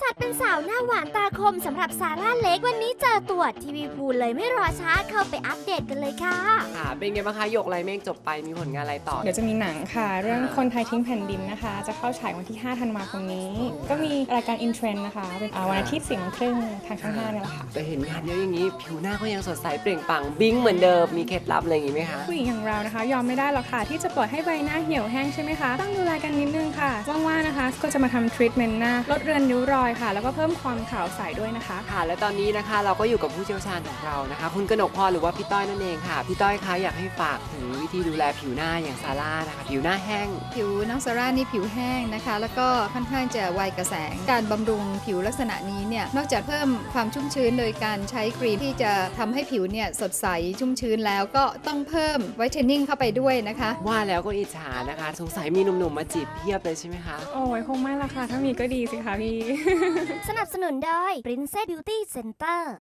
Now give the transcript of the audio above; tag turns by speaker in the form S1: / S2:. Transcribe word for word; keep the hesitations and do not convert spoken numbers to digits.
S1: จัดเป็นสาวหน้าหวานตาคมสำหรับซาร่าเล็กวันนี้เจอตัวทีวีพูเลยไม่รอช้าเข้าไปอัปเดตกันเลยค่ะ
S2: ค่ะเป็นไงบ้างคะหยกไรเมฆจบไปมีผลงานอะไรต่อ
S3: เดี๋ยวจะมีหนังค่ะเรื่องคนไทยทิ้งแผ่นดินนะคะจะเข้าฉายวันที่ห้าธันวาคมนี้ก็มีรายการอินเทรนด์นะคะเป็นวันอาทิตย์สี่โมงครึ่งทางช่องห้านี่แหละค่ะ
S2: แต่เห็นงานเยอะอย่างนี้ผิวหน้าก็ยังสดใสเปล่งปลั่งบิ้งเหมือนเดิมมีเคล็ดลับอะไรอย่างงี้ไหมคะ
S3: ผู้หญิงอย่างเรานะคะยอมไม่ได้หรอกค่ะที่จะปล่อยให้ใบหน้าเหี่ยวแห้งใช่ไหมคะต้องดูแลกันนิดนึงค่ะว่างๆนะคะก็จะมาทำทรีทเมนต์หน้าลดเรือนริ้วรอยค่ะแล้วก็เพิ่มความขาวใสด้วยนะคะ
S2: ค่ะและตอนนี้นะคะเราก็อยู่กับผู้เชี่ยวชาญของเรานะคะคุณกนกพรหรือว่าพี่ต้อยนั่นเองค่ะพี่ต้อยคะอยากให้ฝากถึงวิธีดูแลผิวหน้าอย่างซาร่านะคะผิวหน้าแห้ง
S4: ผิวน้องซาร่านี่ผิวแห้งนะคะแล้วก็ค่อนข้างจะไวกระแสงการบำรุงผิวลักษณะนี้เนี่ยนอกจากเพิ่มความชุ่มชื้นโดยการใช้ครีมที่จะทำให้ผิวเนี่ยสดใสชุ่มชื้นแล้วก็ต้องเพิ่มไวท์เทนนิ่งเข้าไปด้วยนะคะ
S2: ว่าแล้วก็อิจฉานะคะสงสัยมีหนุ่มๆมาจีบเพียบเลยใช่ไหมคะ
S3: โอ้ยคงไม่ละค่ะถ้ามีก็ดีสิคะพี่
S1: สนับสนุนโดย Princess Beauty Center